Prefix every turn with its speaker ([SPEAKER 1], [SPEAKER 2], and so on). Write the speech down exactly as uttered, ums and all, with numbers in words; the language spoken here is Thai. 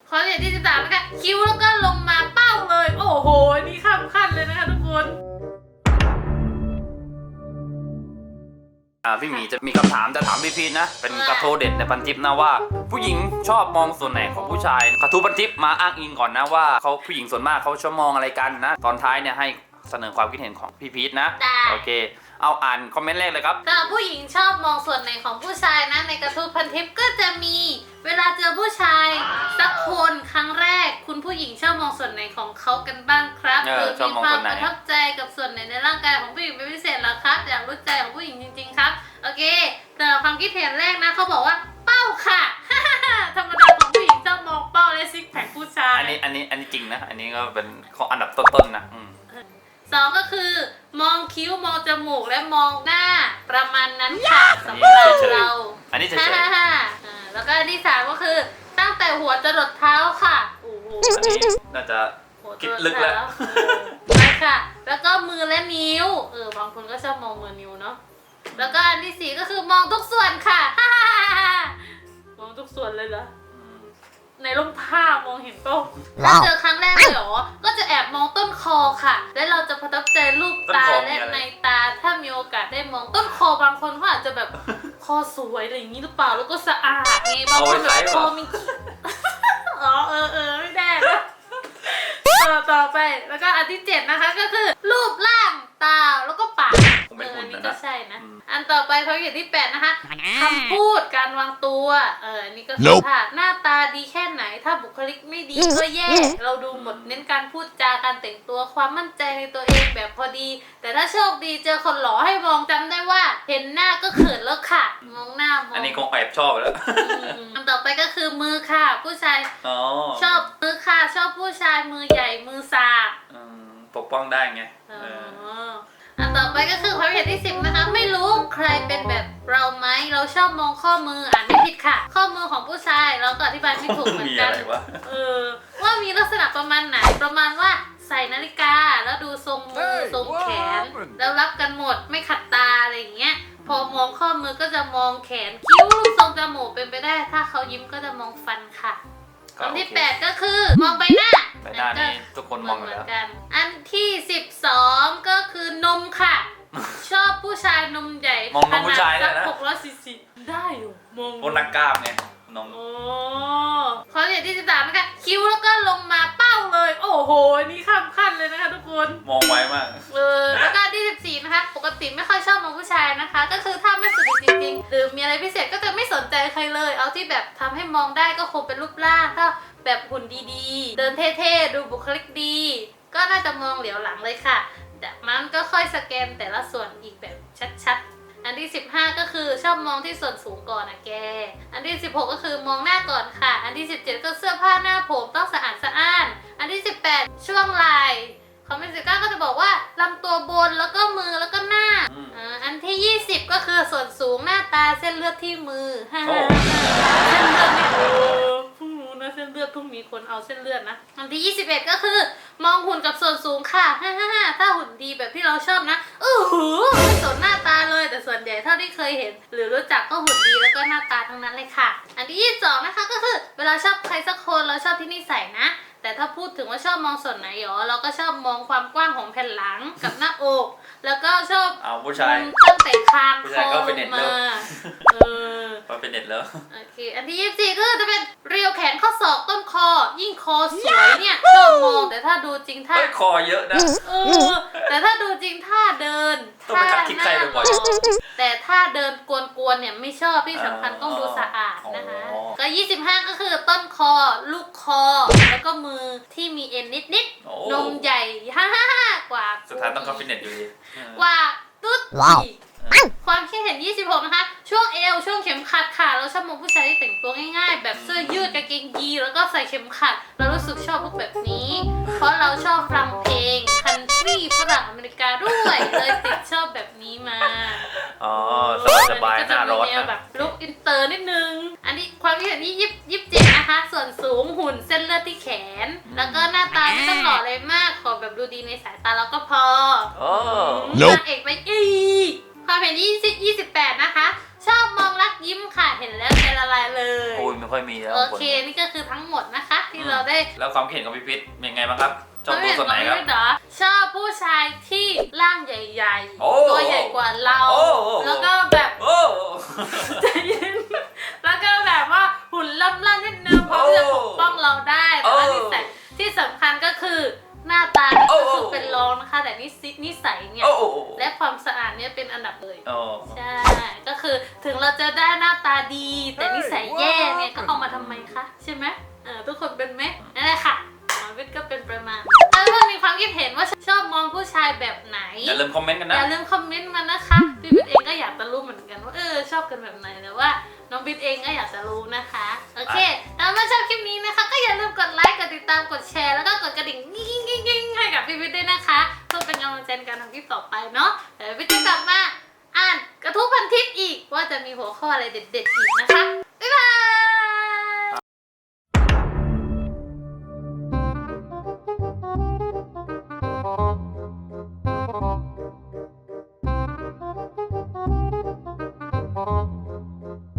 [SPEAKER 1] ข้อที่สิบสามนะคะคิ้วแล้วก็ลงมาเป้าเลยโอ้โหนี่ข้ามขั้นเลยนะคะทุกคน
[SPEAKER 2] อ่าพี่หมีจะมีคำถามจะถามพี่พีชนะเป็นกระทู้เด็ดในพันทิปนะว่าผู้หญิงชอบมองส่วนไหนของผู้ชายกระทู้พันทิปมาอ้างอิงก่อนนะว่าเขาผู้หญิงส่วนมากเขาชอบมองอะไรกันนะตอนท้ายเนี่ยให้เสนอความคิดเห็นของพี่พีชนะโอเคเอาอ่านคอมเมนต์แรกเลยครับ
[SPEAKER 1] ถ้าผู้หญิงชอบมองส่วนไหนของผู้ชายนะในกระทู้พันทิปก็จะมีเวลาเจอผู้ชายสักคนครั้งแรกคุณผู้หญิงชอบมองส่วนไหนของเขากันบ้างครับหรือมีความประทับใจกับส่วนไหนในร่างกายของผู้หญิงเป็นพิเศษหรอครับอยากรู้ใจของผู้หญิงจริงๆครับโอเคแต่ความคิดเห็นแรกนะเขาบอกว่าเป้าค่ะ ธรรมดาของผู้หญิงชอบมองเป้าและซิกแพคผู้ชาย
[SPEAKER 2] อันนี้อันนี้อันนี้จริงนะอันนี้ก็เป็นข้ออันดับต้นๆนะ
[SPEAKER 1] สองก็คือมองคิ้วมองจมูกและมองหน้าประมาณนั้นค่ะสำหรับเรา
[SPEAKER 2] อันนี้เฉย
[SPEAKER 1] ๆแล้วก็อันที่สามก็คือตั้งแต่หัวจรดเท้าค่ะโอ้โห
[SPEAKER 2] อันนี้น่าจะคิดลึกแล้ว
[SPEAKER 1] ใช่ค่ะแล้วก็มือและนิ้วเออบางคนก็ชอบมองมือนิ้วเนาะแล้วก็อันที่สี่ก็คือมองทุกส่วนค่ะมองทุกส่วนเลยเหรอในร่มผ้ามองเห็นต้นถ้าเจอครั้งแรกเลยเหรอก็จะแอบมองต้นคอค่ะและเราจะประทับใจรูปตาและในตาถ้ามีโอกาสได้มองต้นคอบางคนเขาอาจจะแบบคอสวยอะไรอย่างนี้หรือเปล่าแล้วก็สะอาดไงบางคนแบบคอมีอ๋อเออเออไม่ได้นะต่อต่อไปแล้วก็อันที่เจ็ดนะคะก็คือรูปร่างตาแล้วก็ปากเอออันนี้ก็ใช่นะอันต่อไปเขาเขียนที่แปดนะคะคำพูดการวางตัวเอออันนี้ก็คือถ้าหน้าตาดีแค่ไหนถ้าบุคลิกไม่ดีก็แย่เราดูหมดเน้นการพูดจาการแต่งตัวความมั่นใจในตัวเองแบบพอดีแต่ถ้าโชคดีเจอคนหล่อให้มองจำได้ว่าเห็นหน้าก็เขินแล้วค่ะมองหน้ามอง
[SPEAKER 2] อันนี้คงแอบชอบแล้ว
[SPEAKER 1] อันต่อไปก็คือมือค่ะผู้ชายชอบมือค่ะชอบผู้ชายมือใหญ่มือสาก
[SPEAKER 2] ปกป้องได้ไง
[SPEAKER 1] อันต่อไปก็คือความเห็นที่สิบนะคะไม่รู้ใครเป็นแบบเราไหมเราชอบมองข้อมืออ่านไม่ผิดค่ะข้อมือของผู้ชายเราก็อธิบายไม่ถูกเหมือนกันเออว่ามีลักษณะประมาณไหนประมาณว่าใส่นาฬิกาแล้วดูทรงมือทรงแขนแล้วรับกันหมดไม่ขัดตาอะไรอย่างเงี้ยพอมองข้อมือก็จะมองแขนคิ้วทรงจมูกเป็นไปได้ถ้าเขายิ้มก็จะมองฟันค่ะอันที่แปดก็คือมองใบหน้า
[SPEAKER 2] ใบหน้านี่ทุกคนมองเหมือน
[SPEAKER 1] กันอันที่สิบสองก็คือนมค่ะชอบผู้ชายนมใหญ่
[SPEAKER 2] มองนมผู้ชาย
[SPEAKER 1] เลยนะหกร้อยซีซีได้อยู่มอง
[SPEAKER 2] พวกนักกล้ามไงนม
[SPEAKER 1] โอ้ข้อที่สิบสามนะคะคิ้วแล้วก็ลงมาเป้าเลยโอ้โหนี่ข้ามขั้นเลยนะคะทุกคน
[SPEAKER 2] มองไวมาก
[SPEAKER 1] เออแล้วก็ที่สิบสี่นะคะปกติไม่ค่อยชอบมองผู้ชายนะคะก็คือถ้าไม่สุดจริงๆหรือมีอะไรพิเศษก็จะไม่สนใจใครเลยเอาที่แบบทำให้มองได้ก็คงเป็นรูปร่างถ้าแบบหุ่นดีๆเดินเท่ๆดูบุคลิกดีก็น่าจะมองเหลียวหลังเลยค่ะจากนั้นก็ค่อยสแกนแต่ละส่วนอีกแบบชัดๆอันที่สิบห้าก็คือชอบมองที่ส่วนสูงก่อนนะแกอันที่สิบหกก็คือมองหน้าก่อนค่ะอันที่สิบเจ็ดก็เสื้อผ้าหน้าผมต้องสะอาดสะอ้านอันที่สิบแปดช่วงไหล่คอมเมนต์สิบเก้าก็จะบอกว่าลำตัวบนแล้วก็มือแล้วก็หน้าอันที่ยี่สิบก็คือส่วนสูงหน้าตาเส้นเลือดที่มือเส้นเลือดนี่โอ้เพิ่งรู้นะเส้นเลือดเพิ่งมีคนเอาเส้นเลือดนะอันที่ยี่สิบเอ็ดก็คือมองหุ่นกับส่วนสูงค่ะฮ่าฮ่าฮ่าถ้าหุ่นดีแบบที่เราชอบนะอือหือไม่สนหน้าตาเลยแต่ส่วนใหญ่เท่าที่เคยเห็นหรือรู้จักก็หุ่นดีแล้วก็หน้าตาทั้งนั้นเลยค่ะอันที่ยี่สิบสองนะคะก็คือเวลาชอบใครสักคนเราชอบที่นิสัยนะแต่ถ้าพูดถึงว่าชอบมองส่วนไหนหรอเราก็ชอบมองความกว้างของแผ่นหลังกับหน้าอกแล้วก็ชอบ
[SPEAKER 2] เอาผู้ชาย
[SPEAKER 1] ตั้งแต่คางคอลงมาเออ
[SPEAKER 2] พอเป็นเน็ตแล้ว
[SPEAKER 1] โอเคอันที่ยี่สิบสี่ก็จะเป็นเรียวแขนข้อศอกต้นคอยิ่งคอสวยเนี่ยชอบมองแต่ถ้าดูจริงท่า
[SPEAKER 2] คอเยอะนะ
[SPEAKER 1] เออแต่ถ้าดูจริงท่าเดิน
[SPEAKER 2] ท่าหน้า
[SPEAKER 1] แต่ถ้าเดินกวนๆเนี่ยไม่ชอบที่สำคัญต้องดูสะอาดนะคะก็ยี่สิบห้าก็คือต้นคอลูกคอแล้วก็มือที่มีเอ็นนิดๆนมใหญ่ฮ่าฮ่าฮ่ากว่า
[SPEAKER 2] สุดท้ายต้องเข้าฟิตเนสอยู่ดี
[SPEAKER 1] กว่าตุ๊ดความคิดเห็นยี่สิบหกนะคะช่วงเอวช่วงเข็มขัดค่ะเราชอบมองผู้ชายที่แต่งตัวง่ายๆแบบเสื้อยืดกางเกงยีนแล้วก็ใส่เข็มขัดเรารู้สึกชอบพวกแบบนี้เพราะเราชอบฟังเพลงคันทรีฝรั่งอเมริกาด้วยเลยติดชอบแบบนี้มา
[SPEAKER 2] อ๋อสบายๆหน้าร้อนนะ
[SPEAKER 1] แบบลุคอินเตอร์นิดนึงอันนี้ความคิดเห็นที่ยี่สิบเจ็ดนะคะส่วนสูงหุ่นเส้นเลือดที่แขนแล้วก็หน้าตาไม่ต้องหล่อเลยมากขอแบบดูดีในสายตาเราก็พอนางเอกไปอีความเห็นยี่สิบ ยี่สิบแปดนะคะชชอบมองรักยิ้มค่ะเห็นแล้วใจละลายเลย
[SPEAKER 2] โอ้ยไม่ค่อยมีแล้ว
[SPEAKER 1] โอเคนี่ก็คือทั้งหมดนะคะ ที่เราได้
[SPEAKER 2] แล้วความเห็นของพี่พิษเป็นไงบ้างครับชอบตัวส่วนไหนครับ
[SPEAKER 1] เรชอบผู้ชายที่ร่างใหญ่
[SPEAKER 2] โอ้
[SPEAKER 1] ๆ ตัวใหญ่กว่าเรา
[SPEAKER 2] โอ้
[SPEAKER 1] แล้วก็แบบ
[SPEAKER 2] โอ้
[SPEAKER 1] ใจเย็นแล้วก็แบบว่าหุ่นล่ำๆนิดนึงพร้อมจะปกป้องเราได้แต่ว่านิสัยที่สำคัญก็คือหน้าตานี่ก็คือเป็นรองนะคะแต่นิสัยนิสัยเนี่ย
[SPEAKER 2] โอ้โอ้
[SPEAKER 1] และความสะอาดเนี่ยเป็นอันดับเลย
[SPEAKER 2] โอ้
[SPEAKER 1] ใช่ ก็คือถึงเราจะได้หน้าตาดี แต่นิสัยแย่เนี่ยก็เอามาทำไมคะใช่ไหมเออทุกคนเป็นไหมนั่นแหละค่ะหมอวิทย์ก็เป็นประมาณถ้าเพื่อนมีความคิดเห็นว่าชอบมองผู้ชายแบบไหน
[SPEAKER 2] อย่าลืมคอมเมนต์กัน
[SPEAKER 1] อ
[SPEAKER 2] นะ
[SPEAKER 1] ย่าลืมคอมเมนต์มานะคะพี่วิทย์เองก็อยากจะรู้เหมือนกันว่าเออชอบกันแบบไหนแต่ว่าน้องวิทย์เองก็อยากจะรู้นะคะโอเคถ้าชอบคลิปนี้นะคะก็อย่าลืมกดไลค์กดติดตามกดแชร์แล้วก็กดกระดิ่งยิ่งยิ่งยิ่งให้กับพี่วิทย์ด้วยนะคะเพื่อเป็นกำลังใจในการทำคลิปต่อไปเนาะเดี๋ยววิทย์จะกลับมาอ่านกระทู้พันทิปอีกว่าจะมีหัวข้ออะไรเด็ดๆอีกนะคะ